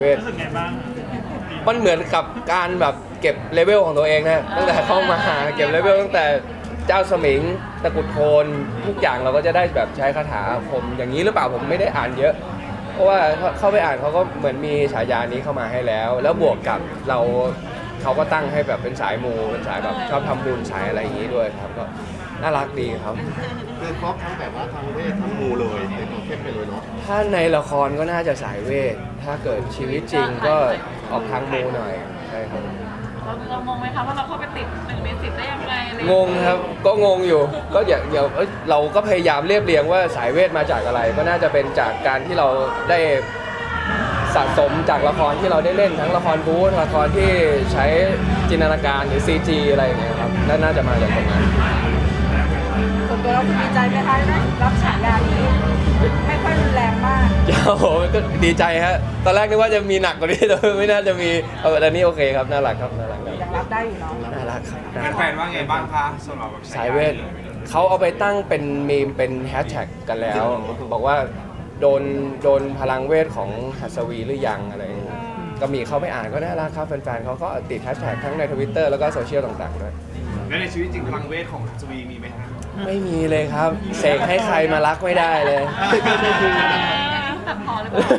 รู้สึกไงบ้างมันเหมือนกับการแบบเก็บเลเวลของตัวเองนะตั้งแต่เข้ามาเก็บเลเวลตั้งแต่เจ้าสมิงตะกุดโทนทุกอย่างเราก็จะได้แบบใช้คาถาอาคมอย่างนี้หรือเปล่าผมไม่ได้อ่านเยอะ เพราะว่าเข้าไปอ่านเขาก็เหมือนมีฉายานี้เข้ามาให้แล้ว แล้วบวกกับเขาก็ตั้งให้แบบเป็นสายมูเป็นสายแบบชอบทำบุญสายอะไรอย่างนี้ด้วยครับก็น่ารักดีครับคือครบทั้งแบบว่าทั้งเวททั้งมูเลยเป็นตัวเข้มไปเลยเนาะถ้าในละครก็น่าจะสายเวทถ้าเกิดชีวิตจริงก็ออกทางมูหน่อยใช่ครับเรางงไหมคะว่าเราเข้าไปติด1 ใน 10ได้ยังไงงงครับก็งงอยู่ก็เดี๋ยวเราก็พยายามเรียบเรียงว่าสายเวทมาจากอะไร ก็น่าจะเป็นจากการที่เราได้สะสมจากละครที่เราได้เล่นทั้งละครบู๊ละครที่ใช้จินตนาการหรือ CG อะไรอย่างเงี้ยครับน่าจะมาจากตรงนั้นส่วนตัวเราดีใจไหมคะได้รับฉายานี้ไม่ค่อยรุนแรงมากโอ้โหก็ดีใจฮะตอนแรกนึกว่าจะมีหนักกว่านี้แต่ไม่น่าจะมีแต่นี้โอเคครับน่ารักครับน่ารักยังรับได้อยู่เนาะน่ารักครับแฟนๆว่าไงบ้างคะสำหรับสายเวทเขาเอาไปตั้งเป็นมีมเป็นแฮชแท็กกันแล้วบอกว่าโดนพลังเวทของหัสวีหรือยังอะไรก็มีเขาไปอ่านก็น่ารักครับแฟนๆเขาก็ติดแฮชแท็กทั้งใน Twitter แล้วก็โซเชียลต่างๆด้วยแล้วในชีวิตจริงพลังเวทของสวีมีไหมครับไม่มีเลยครับเสกให้ใครมารักไม่ได้เลยตัดพอหรือเปล่า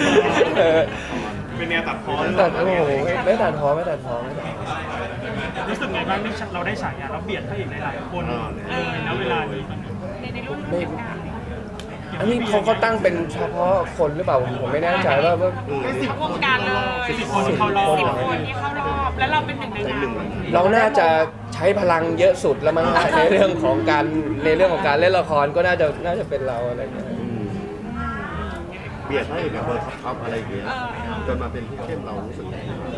เป็นแนวตัดพอตัดโอ้โหไม่ตัดพอรู้สึกไงบ้างที่เราได้ฉายาเราเบียดพระเอกหลายๆคนณเวลานี้ในรุ่นอันนี้เขาตั้งเป็นเฉพาะคนหรือเปล่าผมไม่แน่ใจว่าวงการเลย 10 คนเข้ารอบ 10 คนที่เข้ารอบแล้วเราเป็น1 ในนั้นเราน่าจะใช้พลังเยอะสุดแล้วมั้งในเรื่องของการเล่นละครก็น่าจะเป็นเราอะไรอย่างเงี้ยเบียดให้แบบเบอร์ท็อปอะไรอย่างเงี้ยจนมาเป็นผู้เข้มเรารู้สึกไง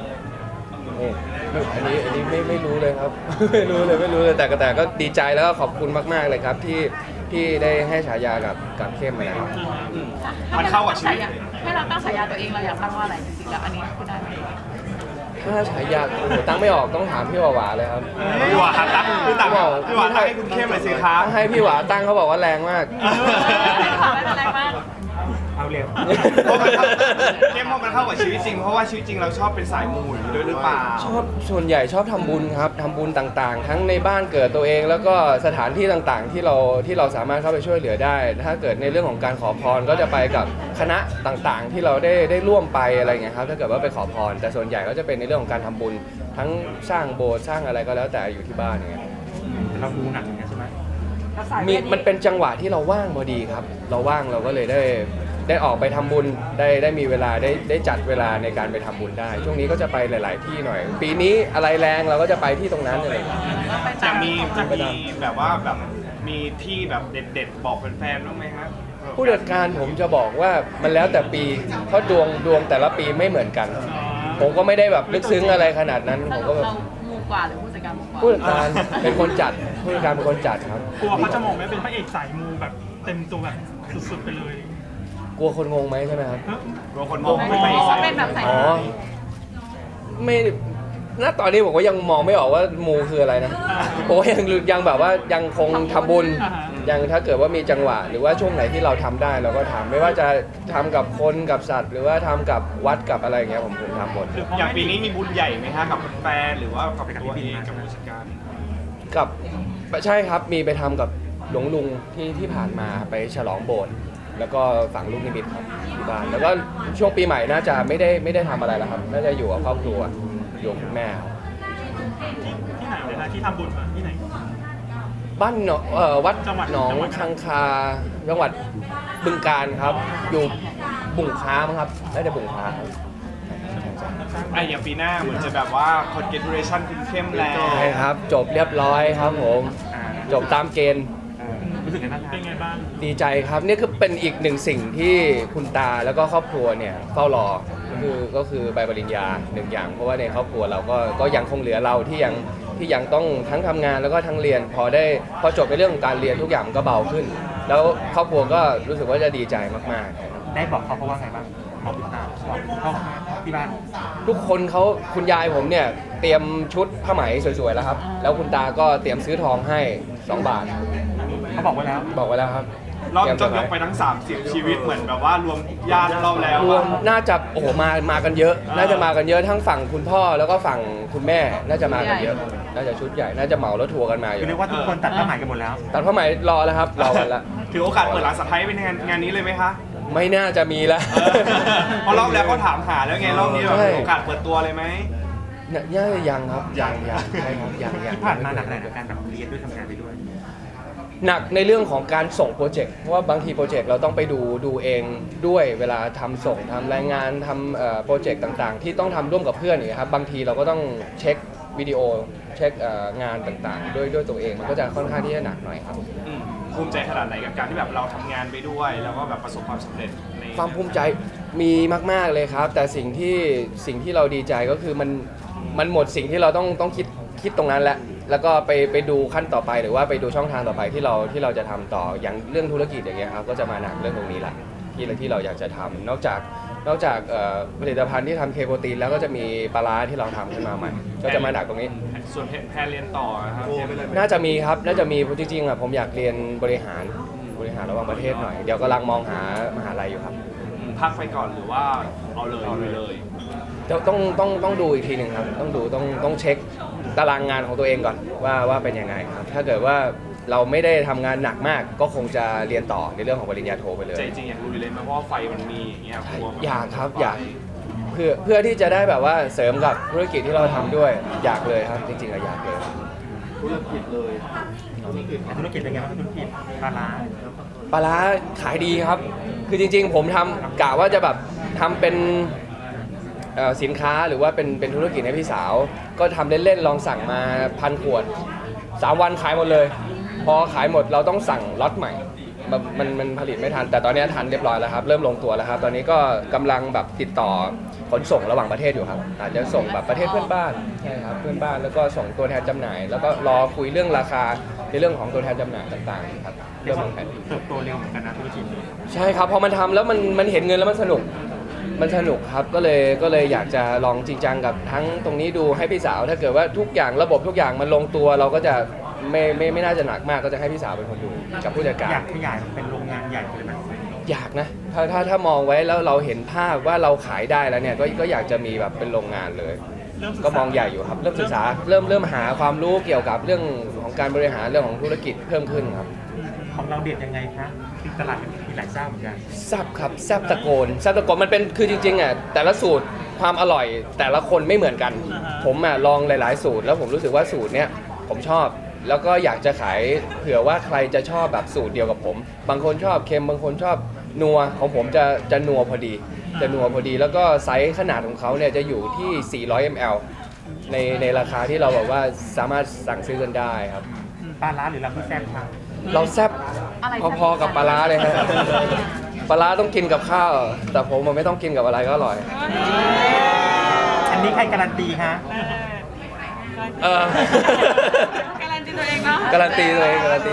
อันนี้ไม่รู้เลยครับไม่รู้เลยแต่ก็ดีใจแล้วก็ขอบคุณมากๆเลยครับที่ได้ให้ฉายากับเข้มนะครับมันเข้ากับชีวิตให้เราตั้งฉายาตัวเองเราอยากตั้งว่าอะไรจริงๆแล้วอันนี้คือได้ไหมถ้าฉายาตั้งไม่ออกต้องถามพี่หวาเลยครับพี่หวาตั้งพี่หวาตั้งให้คุณเข้มเลยสิครับให้พี่หวาตั้งเขาบอกว่าแรงมากแรงมากเอาเร็วเข้มพอมันเข้ากับชีวิตจริงเพราะว่าชีวิตจริงเราชอบเป็นสายมูอยู่ด้วยหรือเปล่าชอบส่วนใหญ่ชอบทำบุญครับทำบุญต่างๆทั้งในบ้านเกิดตัวเองแล้วก็สถานที่ต่างๆที่เราสามารถเข้าไปช่วยเหลือได้ถ้าเกิดในเรื่องของการขอพรก็จะไปกับคณะต่างๆที่เราได้ร่วมไปอะไรเงี้ยครับถ้าเกิดว่าไปขอพรแต่ส่วนใหญ่ก็จะเป็นในเรื่องของการทำบุญทั้งสร้างโบสถ์สร้างอะไรก็แล้วแต่อยู่ที่บ้านอย่างเงี้ยเราดูหนักอย่างเงี้ยใช่ไหมมันเป็นจังหวะที่เราว่างพอดีครับเราว่างเราก็เลยได้ออกไปทำบุญได้มีเวลาได้จัดเวลาในการไปทำบุญได้ช่วงนี้ก็จะไปหลายๆที่หน่อยปีนี้อะไรแรงเราก็จะไปที่ตรงนั้นเลยจะมีแบบว่าแบบมีที่แบบเด็ดๆบอกแฟนๆบ้างไหมครับผู้จัดการผมจะบอกว่ามันแล้วแต่ปีเพราะดวงแต่ละปีไม่เหมือนกันผมก็ไม่ได้แบบลึกซึ้งอะไรขนาดนั้นผมก็แบบมูกว่าหรือผู้จัดการมูกว่าผู้จัดการเป็นคนจัดผู้จัดการเป็นคนจัดครับกลัวเขาจะมองไม่เป็นพระเอกสายมูแบบเต็มตัวแบบสุดๆไปเลยกลัวคนงงไหมใช่ไหมครับกลัวคนมองไม่เป็นแบบใส่ไม่ณตอนนี้ผมก็ยังมองไม่ออกว่ามูคืออะไรนะผมยังแบบว่ายังคงทำบุญยังถ้าเกิดว่ามีจังหวะหรือว่าช่วงไหนที่เราทำได้เราก็ทำไม่ว่าจะทำกับคนกับสัตว์หรือว่าทำกับวัดกับอะไรอย่างเงี้ยผมทำหมดอย่างปีนี้มีบุญใหญ่ไหมฮะกับแฟนหรือว่ากับตัวเองกับผู้จัดการกับใช่ครับมีไปทำกับหลวงลุงที่ผ่านมาไปฉลองโบสถ์แล้วก็ฝังลูกนิมิตครับที่บ้านแล้วก็ช่วงปีใหม่น่าจะไม่ได้ทำอะไรแล้วครับน่าจะอยู่กับครอบครัวอยู่กับแม่ที่ไหนเลยนะที่ทำบุญที่ไหนบ้านวัดหนองคังคาจังหวัดบึงกาฬครับอยู่บุ่งค้ามั้งครับได้แต่บุ่งค้าอย่างปีหน้าเหมือนจะแบบว่า congratulation คุณเข้มแล้วใช่ครับจบเรียบร้อยครับผมจบตามเกณฑ์รู้สึกไงบ้างเป็นไงบ้างดีใจครับนี่คือเป็นอีกหนึ่งสิ่งที่คุณตาแล้วก็ครอบครัวเนี่ยเฝ้ารอก็คือใบปริญญาหนึ่งอย่างเพราะว่าในครอบครัวเราก็ยังคงเหลือเราที่ยังต้องทั้งทำงานแล้วก็ทั้งเรียนพอจบในเรื่องของการเรียนทุกอย่างก็เบาขึ้นแล้วครอบครัวก็รู้สึกว่าจะดีใจมากๆได้บอกเขาว่าไงบ้างบอกคุณตาบอกเขาที่บ้านทุกคนคุณยายผมเนี่ยเตรียมชุดผ้าไหมสวยๆแล้วครับแล้วคุณตาก็เตรียมซื้อทองให้2 บาทเขาบอกไว้แล้วครับรอบจบยกไปทั้ง 30 ชีวิตเหมือนแบบว่ารวมญาติรอบแล้วรวมน่าจะโอ้โหมากันเยอะ น่าจะมากันเยอะทั้งฝั่งคุณพ่อแล้วก็ฝั่งคุณแม่น่าจะมากันเยอะ น่าจะชุดใหญ่น่าจะเหมารถทัวร์กันมาอยู่คือเรียกว่าทุกคนตัดผ้าไหมกันหมดแล้วตัดผ้าไหมรอแล้วครับรอกันละถือโอกาสเปิดร้านสะพ้ายเป็นงานนี้เลยไหมคะไม่น่าจะมีแล้วเพราะรอบแล้วเขาถามหาแล้วไงรอบนี้แบบใช่โอกาสเปิดตัวเลยไหมน่าจะยังครับยังใช่ครับยังที่ผ่านมาหนักอะไรในการแบบเรียนด้วยทำงานไปด้วยหนักในเรื่องของการส่งโปรเจกต์เพราะว่าบางทีโปรเจกต์เราต้องไปดูเองด้วยเวลาทำส่งทำรายงานทำโปรเจกต์ต่างๆ ที่ต้องทำร่วมกับเพื่อนอย่างเงี้ยครับบางทีเราก็ต้องเช็ควิดีโอเช็คงานต่างๆด้วยตัวเองมันก็จะค่อนข้างที่จะหนักหน่อยครับภูมิใจขนาดไหนกับการที่แบบเราทำงานไปด้วย แล้วก็แบบประสบความสำเร็จในความภูมิใจมีมากๆเลยครับ แต่สิ่งที่เราดีใจก็คือมันหมดสิ่งที่เราต้องคิดตรงนั้นแล้วก็ไปดูขั้นต่อไปหรือว่าไปดูช่องทางต่อไปที่เราจะทำต่ออย่างเรื่องธุรกิจอย่างเงี้ยครับก็จะมาหนักเรื่องตรงนี้แหละที่เราอยากจะทำนอกจากผลิตภัณฑ์ที่ทำเคโปรตีนแล้วก็จะมีปลาร้าที่เราทำขึ้นมาใหม่ ก็จะมาหนักตรงนี้ส่วนแพนเรียนต่อนะครับน่าจะมีครับน่าจะมีจริงๆอ่ะผมอยากเรียนบริหารระหว่างประเทศหน่อยเดี๋ยวกำลังมองหามหาลัยอยู่ครับพักไปก่อนหรือว่าเอาเลยต้องดูอีกทีหนึ่งครับต้องเช็คตารางงานของตัวเองก่อนว่าเป็นยังไงครับถ้าเกิดว่าเราไม่ได้ทำงานหนักมากก็คงจะเรียนต่อในเรื่องของปริญญาโทไปเลยใจจริงอยากรู้เลยไหมเพราะว่าไฟมันมีอย่างเงี้ยกลัวมันอยากครับอยากเพื่อที่จะได้แบบว่าเสริมกับธุรกิจที่เราทำด้วยอยากเลยครับจริงๆอะอยากเลยธุรกิจเลยธุรกิจแต่ธุรกิจเป็นไงบ้างธุรกิจปลาร้าปลาร้าขายดีครับ คือจริงๆผมทำกะว่าจะแบบทำเป็นสินค้าหรือว่าเป็นธุรกิจให้พี่สาว ก็ทำเล่นๆลองสั่งมา1,000 ขวด 3 วันขายหมดเลย พอขายหมดเราต้องสั่งล็อตใหม่มันผลิตไม่ทัน แต่ตอนนี้ทันเรียบร้อยแล้วครับเริ่มลงตัวแล้วครับตอนนี้ก็กำลังแบบติดต่อขนส่งระหว่างประเทศอยู่ครับอาจจะส่งแบบประเทศเพื่อนบ้านใช่ครับเพื่อนบ้านแล้วก็ส่งตัวแทนจำหน่าย แล้วก็รอคุยเรื่องราคาในเรื่องของตัวแทนจำหน่ายต่างๆครับเรียเริ่กมว่าวางแผนเติบโตเร็วเหมือนกันนะธุรกิจนี้ใช่ครับพอมันทำแล้วมันเห็นเงินแล้วมันสนุกครับก็เลยอยากจะลองจริงจังกับทั้งตรงนี้ดูให้พี่สาวถ้าเกิดว่าทุกอย่างระบบทุกอย่างมันลงตัวเราก็จะไม่น่าจะหนักมากก็จะให้พี่สาวเป็นคนดูกับผู้จัดการอยากขยายเป็นโรงงานใหญ่เลยไหมอยากนะถ้ามองไว้แล้วเราเห็นภาพว่าเราขายได้แล้วเนี่ยก็อยากจะมีแบบเป็นโรงงานเลย ก็มองใหญ่อยู่ครับเริ่มศึกษาเริ่มหาความรู้เกี่ยวกับเรื่องของการบริหารเรื่องของธุรกิจเพิ่มขึ้นครับของเราเด็ดยังไงคะที่ตลาดมีหลายเจ้าเหมือนกันแซ่บครับแซ่บตะโกนมันเป็นคือจริงๆอ่ะแต่ละสูตรความอร่อยแต่ละคนไม่เหมือนกัน ผมอ่ะลองหลายๆสูตรแล้วผมรู้สึกว่าสูตรเนี้ยผมชอบ แล้วก็อยากจะขายเผื่อว่าใครจะชอบแบบสูตรเดียวกับผม บางคนชอบเค็มบางคนชอบนัวของผมจะนัวพอดีแล้วก็ไซส์ขนาดของเขาเนี่ยจะอยู่ที่400 ml ในราคาที่เราแบบว่าสามารถสั่งซื้อกันได้ครับปลาร้าหรือเราที่แซ่บค่ะเราแซ่บอะไรพอๆกับปลาร้าเลยฮะ ปลาร้าต้องกินกับข้าว แต่ผมมันไม่ต้องกินกับอะไรก็อร่อยอันนี้ใครการันตีฮะเออการันตีตัวเองเนาะการันตีตัวเองฮะ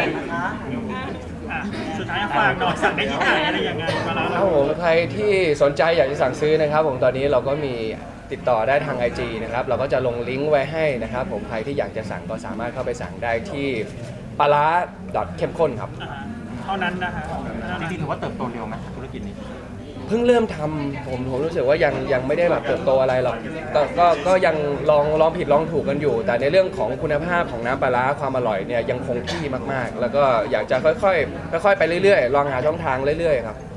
สุดท้ายฝากหน่อยสั่งได้ที่ไหนอะไรยังไงมาแล้วครับผมใครที่สนใจอยากจะสั่งซื้อนะครับผมตอนนี้เราก็มีติดต่อได้ทาง IG นะครับเราก็จะลงลิงก์ไว้ให้นะครับผมใครที่อยากจะสั่งก็สามารถเข้าไปสั่งได้ที่ปลาร้าเข้มข้นครับเท่านั้นนะคะจริงๆถือว่าเติบโตเร็วไหมธุรกิจนี้เพิ่งเริ่มทำผมรู้สึกว่ายังไม่ได้แบบเติบโตอะไรหรอกก็ยังลองผิดลองถูกกันอยู่ แต่ในเรื่องของคุณภาพของน้ำปลาร้าความอร่อยเนี่ยยังคงที่มากๆ แล้วก็อยากจะค่อยๆไปเรื่อยๆลองหาช่องทางเรื่อยๆครับ